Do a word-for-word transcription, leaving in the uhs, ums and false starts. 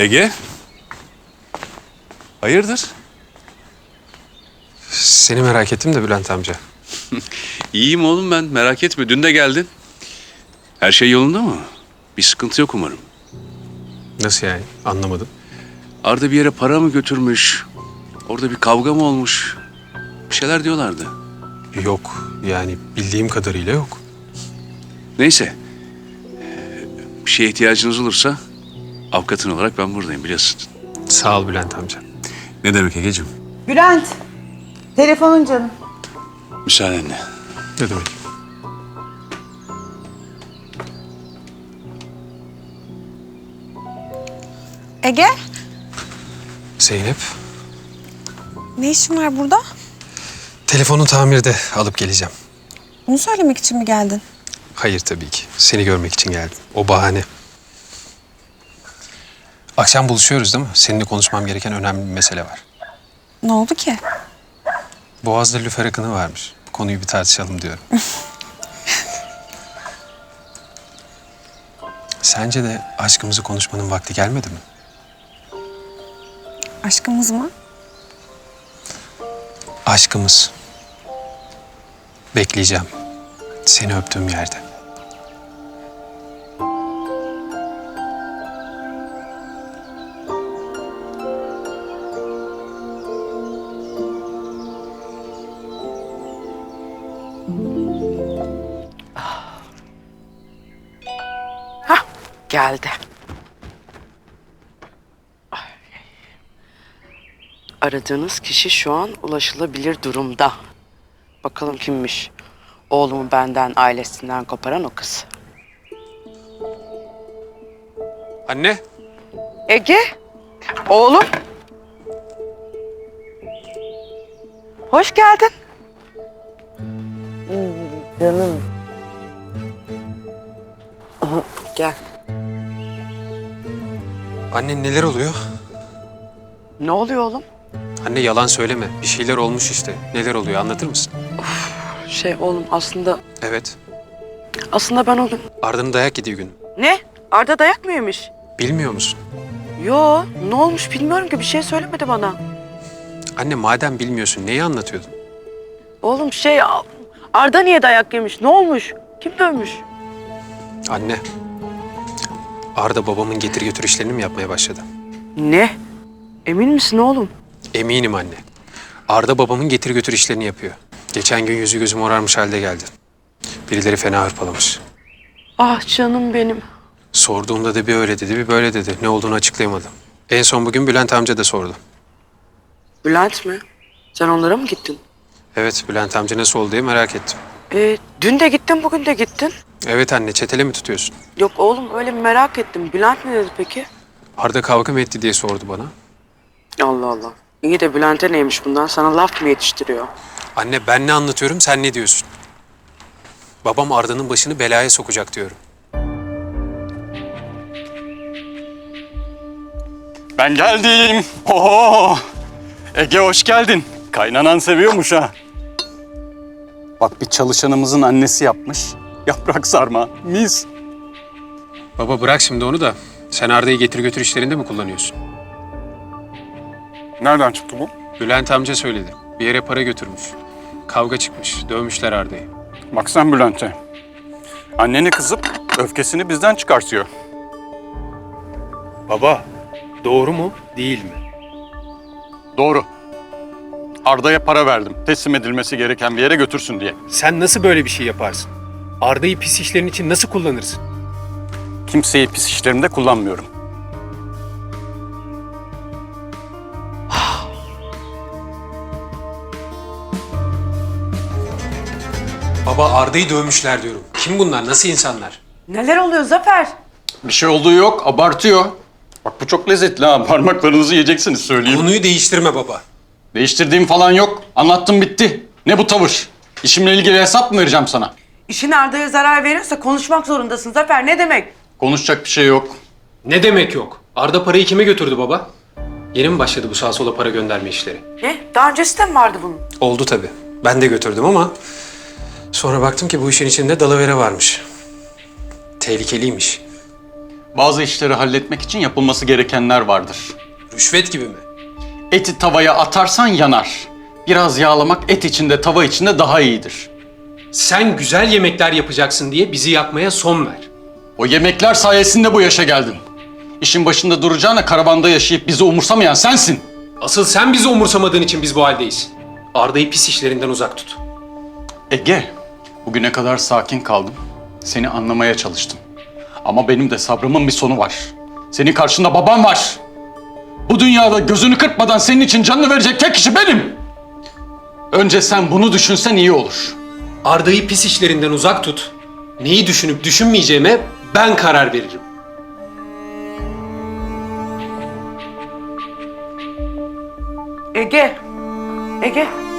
Ege? Hayırdır? Seni merak ettim de Bülent amca. İyiyim oğlum ben, merak etme. Dün de geldin. Her şey yolunda mı? Bir sıkıntı yok umarım. Nasıl yani? Anlamadım. Arda bir yere para mı götürmüş? Orada bir kavga mı olmuş? Bir şeyler diyorlardı. Yok. Yani bildiğim kadarıyla yok. Neyse. Ee, Bir şeye ihtiyacınız olursa avukatın olarak ben buradayım biliyorsun. Sağ ol Bülent amca. Ne demek Ege'cim? Bülent, telefonun canım. Müsaadenle. Ne demek? Ege, Zeynep, ne işin var burada? telefonu tamirde, alıp geleceğim. Bunu söylemek için mi geldin? Hayır tabii ki. Seni görmek için geldim. O bahane. Akşam buluşuyoruz değil mi? Seninle konuşmam gereken önemli bir mesele var. Ne oldu ki? Boğaz'da lüfer akını varmış. Bu konuyu bir tartışalım diyorum. Sence de aşkımızı konuşmanın vakti gelmedi mi? Aşkımız mı? Aşkımız. Bekleyeceğim. Seni öptüğüm yerde. Hah, geldi. Aradığınız kişi şu an ulaşılabilir durumda. Bakalım kimmiş? Oğlumu benden, ailesinden koparan o kız. Anne. Ege, oğlum. Hoş geldin. Canım. Aha, gel. Anne neler oluyor? Ne oluyor oğlum? Anne yalan söyleme. Bir şeyler olmuş işte. Neler oluyor anlatır mısın? Şey oğlum aslında, Evet. aslında ben o gün... Arda'nın dayak yediği gün. Ne? Arda dayak mı yemiş? Bilmiyor musun? Yo, ne olmuş bilmiyorum ki, bir şey söylemedi bana. Anne madem bilmiyorsun neyi anlatıyordun? Oğlum şey, Arda niye dayak yemiş? Ne olmuş? Kim dövmüş? Anne. Arda babamın getir götür işlerini mi yapmaya başladı? Ne? Emin misin oğlum? Eminim anne. Arda babamın getir götür işlerini yapıyor. Geçen gün yüzü gözü morarmış halde geldi. Birileri fena hırpalamış. Ah canım benim. Sorduğumda da bir öyle dedi bir böyle dedi. Ne olduğunu açıklayamadı. En son bugün Bülent amca da sordu. Bülent mi? Sen onlara mı gittin? Evet Bülent amca nasıl oldu diye merak ettim. Ee, dün de gittin, bugün de gittin. Evet anne çetele mi tutuyorsun? Yok oğlum, öyle merak ettim. Bülent ne dedi peki? Arda kavga mı etti diye sordu bana. Allah Allah. İyi de Bülent'e neymiş bundan? Sana laf mı yetiştiriyor? Anne ben ne anlatıyorum sen ne diyorsun? Babam Arda'nın başını belaya sokacak diyorum. Ben geldim. Oo! Ege hoş geldin. Kaynanan seviyormuş ha. Bak bir çalışanımızın annesi yapmış. Yaprak sarma. Mis. Baba bırak şimdi onu da. Sen Arda'yı getir götür işlerinde mi kullanıyorsun? Nereden çıktı bu? Bülent amca söyledi. Bir yere para götürmüş. Kavga çıkmış. Dövmüşler Arda'yı. Bak sen Bülent'e. Anneni kızıp öfkesini bizden çıkartıyor. Baba doğru mu değil mi? Doğru. Arda'ya para verdim. Teslim edilmesi gereken bir yere götürsün diye. Sen nasıl böyle bir şey yaparsın? Arda'yı pis işlerin için nasıl kullanırsın? Kimseyi pis işlerimde kullanmıyorum. Baba Arda'yı dövmüşler diyorum. Kim bunlar? Nasıl insanlar? Neler oluyor Zafer? Bir şey olduğu yok. Abartıyor. Bak bu çok lezzetli ha. Parmaklarınızı yiyeceksiniz söyleyeyim. Konuyu değiştirme baba. Değiştirdiğim falan yok. Anlattım bitti. Ne bu tavır? İşimle ilgili hesap mı vereceğim sana? İşin Arda'ya zarar veriyorsa konuşmak zorundasın Zafer. Ne demek? Konuşacak bir şey yok. Ne demek yok? Arda parayı kime götürdü baba? Yeni mi başladı bu sağa sola para gönderme işleri? Ne? Daha öncesi de mi vardı bunun? Oldu tabii. Ben de götürdüm ama sonra baktım ki bu işin içinde dalavere varmış. Tehlikeliymiş. Bazı işleri halletmek için yapılması gerekenler vardır. Rüşvet gibi mi? Eti tavaya atarsan yanar. Biraz yağlamak et içinde, tava içinde daha iyidir. Sen güzel yemekler yapacaksın diye bizi yakmaya son ver. O yemekler sayesinde bu yaşa geldin. İşin başında duracağına karavanda yaşayıp bizi umursamayan sensin. Asıl sen bizi umursamadığın için biz bu haldeyiz. Arda'yı pis işlerinden uzak tut. Ege, bugüne kadar sakin kaldım. Seni anlamaya çalıştım. Ama benim de sabrımın bir sonu var. Senin karşında babam var. Bu dünyada gözünü kırpmadan senin için canını verecek tek kişi benim. Önce sen bunu düşünsen iyi olur. Arda'yı pis işlerinden uzak tut. Neyi düşünüp düşünmeyeceğime ben karar veririm. Ege. Ege.